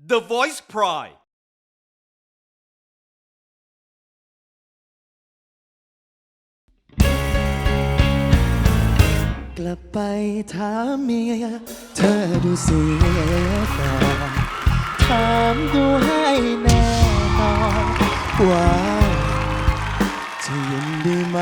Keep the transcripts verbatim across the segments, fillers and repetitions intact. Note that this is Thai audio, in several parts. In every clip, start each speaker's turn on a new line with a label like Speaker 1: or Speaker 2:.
Speaker 1: The Voice Pride
Speaker 2: กลับไปถามเมียเธอดูเสียก่อนถามดูให้แน่นอนว่าจะยินดีไหม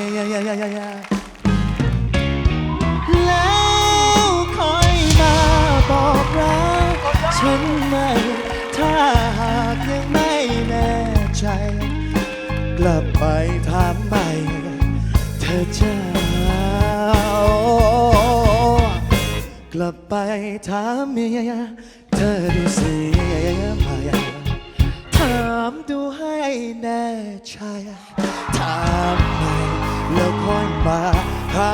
Speaker 2: แล้วคอยมาบอกรักฉันไหมถ้าหากยังไม่แน่ใจกลับไปถามใหม่เธอจะกลับไปถามเมียเธอดูเสียไหมถามดูให้แน่ใจถามใหม่แล้วค่อยมาหา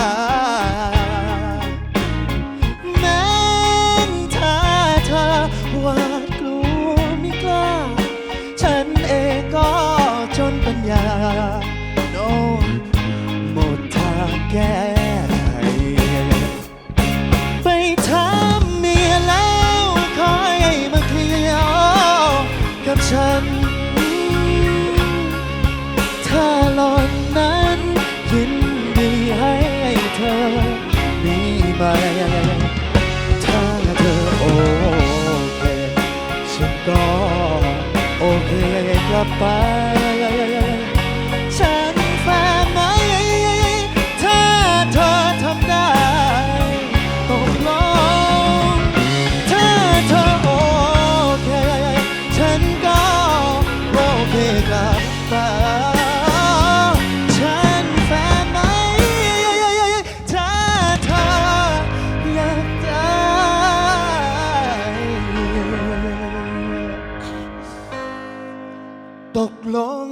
Speaker 2: แม้ถ้าเธอหวาดกลัวไม่กล้าฉันเองก็จนปัญญาโน้หมดทางแก้ไปถามเมียแล้วคอยมาเคลียร์กับฉันถ้าหล่อนนั้นยินดีให้เธอมีไหมถ้าเธอโอเคฉันก็โอเคกลับไปฉันแฟนไหมถ้าเธอทำได้ตกลงถ้าเธอโอเคฉันก็โอเคกลับไปฉันแฟนไหมถ้าเธออยากได้ตกลง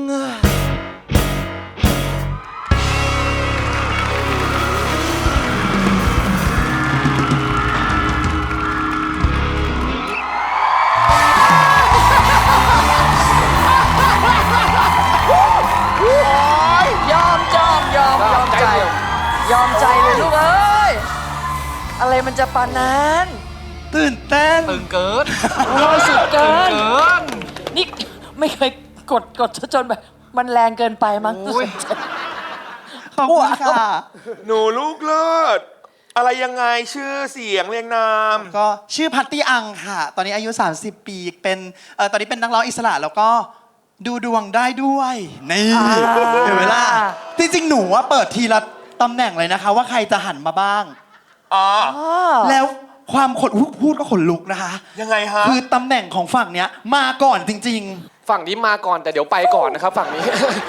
Speaker 3: ยอมจอมยอมยอมใจ ยอมใจเลยลูกเอ้ย อะไรมันจะปานนั้น
Speaker 2: ตื่นเต้น
Speaker 4: ตึงเกิน
Speaker 3: โอ้ยสุดเกิน
Speaker 4: เกิน
Speaker 3: นี่ไม่เคยกดกดจนแบบมันแรงเกินไปมั้ง
Speaker 4: โอ้ย
Speaker 2: ขอบคุณค่ะ
Speaker 5: หนูลูกเลิศอะไรยังไงชื่อเสียงเรียงนาม
Speaker 2: ก็ชื่อพัตตี้อังค่ะ ตอนนี้อายุ สามสิบ ปี เป็นเอ่อตอนนี้เป็นนักร้องอิสระแล้วก็ดูดวงได้ด้วย นี่เห็นไหมล่ะจริงๆ หนูว่าเปิดทีละตำแหน่งเลยนะคะ ว่าใครจะหันมาบ้าง
Speaker 5: อ๋อ
Speaker 2: แล้วความขนอุ๊ยพูดก็ขนลุกนะคะ
Speaker 5: ยังไงฮะ
Speaker 2: คือตำแหน่งของฝั่งเนี้ยมาก่อนจริง
Speaker 4: ฝั่งนี้มาก่อนแต่เดี๋ยวไปก่อนนะครับ ฝั่งนี้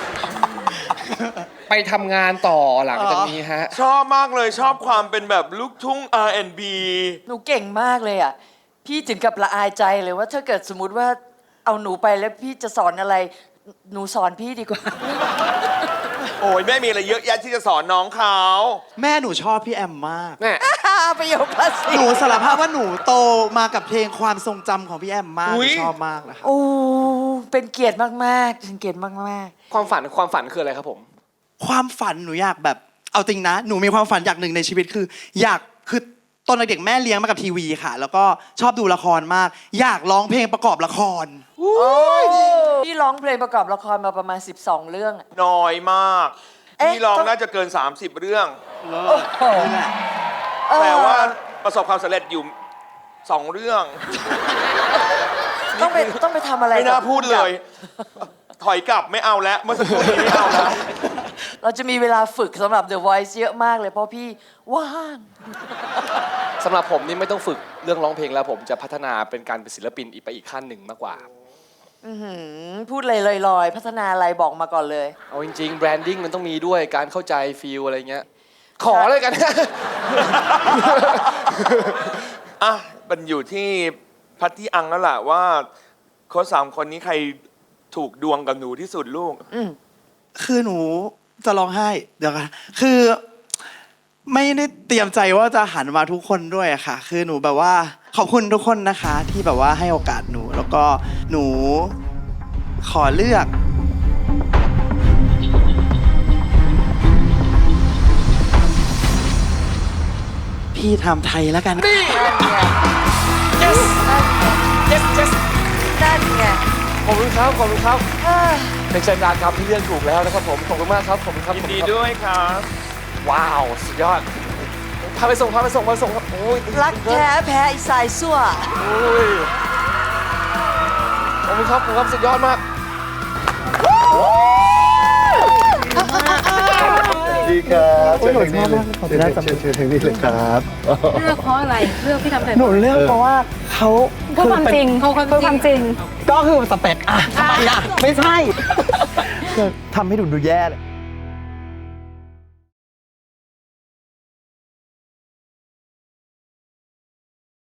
Speaker 4: ไปทำงานต่อหลังจากนี้ฮะ
Speaker 5: ชอบมากเลยชอบความเป็นแบบลูกทุ่ง อาร์ แอนด์ บี
Speaker 3: หนูเก่งมากเลยอ่ะ พี่ถึงกับละอายใจเลยว่าถ้าเกิดสมมุติว่าเอาหนูไปแล้วพี่จะสอนอะไร หนูสอนพี่ดีกว่า
Speaker 5: โอ้ยแม่มีอะไรเยอะแยะที่จะสอนน้องเขา
Speaker 2: ๆ แม่หนูชอบพี่แอมมาก
Speaker 4: แม่
Speaker 3: ประโยคภาษี
Speaker 2: หนูสารภาพว่าหนูโตมากับเพลงความทรงจำของพี่แอมมากหนูชอบมากนะคะ
Speaker 3: โอ้ เป็นเกียรติมากๆเป็นเกียรติมาก
Speaker 4: ความฝันความฝันคืออะไรครับผม
Speaker 2: ความฝันหนูอยากแบบเอาจริงนะ หนูมีความฝันอย่างหนึ่งในชีวิตคือ อยากคือตอนเด็กๆแม่เลี้ยงมากับทีวีค่ะ แล้วก็ชอบดูละครมาก อยากร้องเพลงประกอบละคร
Speaker 3: ๆ โอ้ยพี่ร้องเพลงประกอบละครมาประมาณ สิบสอง เรื่องอะ
Speaker 5: น้อยมาก
Speaker 3: เอ๊ะ
Speaker 5: พี่ร้อง
Speaker 3: ต้อง
Speaker 5: น่าจะเกิน สามสิบ เรื่อง
Speaker 2: นี่แหละ
Speaker 3: เออ
Speaker 5: แต่ว่าประสบความสำเร็จอยู่สองเรื่อง
Speaker 3: ต้องไปต้องไปทำอะไร
Speaker 5: ไม่น่า
Speaker 3: กับ
Speaker 5: พูดเลย ถอยกลับไม่เอาแล้วเมื่อสักครู่นี้ไม่เอาแล้ว
Speaker 3: เราจะมีเวลาฝึกสำหรับ The Voice เยอะมากเลยเพราะพี่ว่าง
Speaker 4: สำหรับผมนี่ไม่ต้องฝึกเรื่องร้องเพลงแล้วผมจะพัฒนาเป็นการเป็นศิลปินอีกไปอีกขั้นหนึ่งมากกว่า
Speaker 3: อื้อหือพูดเลยลอยๆ พัฒนาอะไรบอกมาก่อนเลย
Speaker 4: เอาจริงๆแบรนดิ้งมันต้องมีด้วยการเข้าใจฟีลอะไรเงี้ย ขอเลยกัน
Speaker 5: อ่ะมันอยู่ที่พัทที่อังแล้วล่ะว่าโค้ชสามคนนี้ใครถูกดวงกับหนูที่สุดลูก
Speaker 2: คือหนูจะร้องไห้เดี๋ยวกันคือไม่ได้เตรียมใจว่าจะหันมาทุกคนด้วยอะค่ะ คือหนูแบบว่าขอบคุณทุกคนนะคะ ที่แบบว่าให้โอกาสหนู แล้วก็หนูขอเลือก พี่ทำไทยแล้วกัน
Speaker 4: นี่
Speaker 3: yes
Speaker 4: ครับขอบคุณครับเป็นชัยการครับที่เลือกถูกแล้วนะครับผมขอบคุณมากครับขอบคุณครับ
Speaker 5: ยินดีด้วยครับ
Speaker 4: ว้าวสุดยอดพาไปส่งพาไปส่งพาไปส่งครับโอ้ย
Speaker 3: รักแท้แพ้อีสายสั่ว
Speaker 4: โอ้ยขอบคุณครับขอบคุณครับสุดยอดมาก
Speaker 1: ดีครับเชิญทางนี้เลยเชิญเชิญเชิญทางนี้เลยครับ
Speaker 6: เลือกเพราะอะไรเลือกพี่ทำแต่
Speaker 2: หนูเลือกเพราะว่าเขา
Speaker 6: เพื่อความจริงเขาเพื่อความจริง
Speaker 2: ก็คือสเปคอะทำไมอะไม่ใช่คือทำให้ดูดูแย่เลย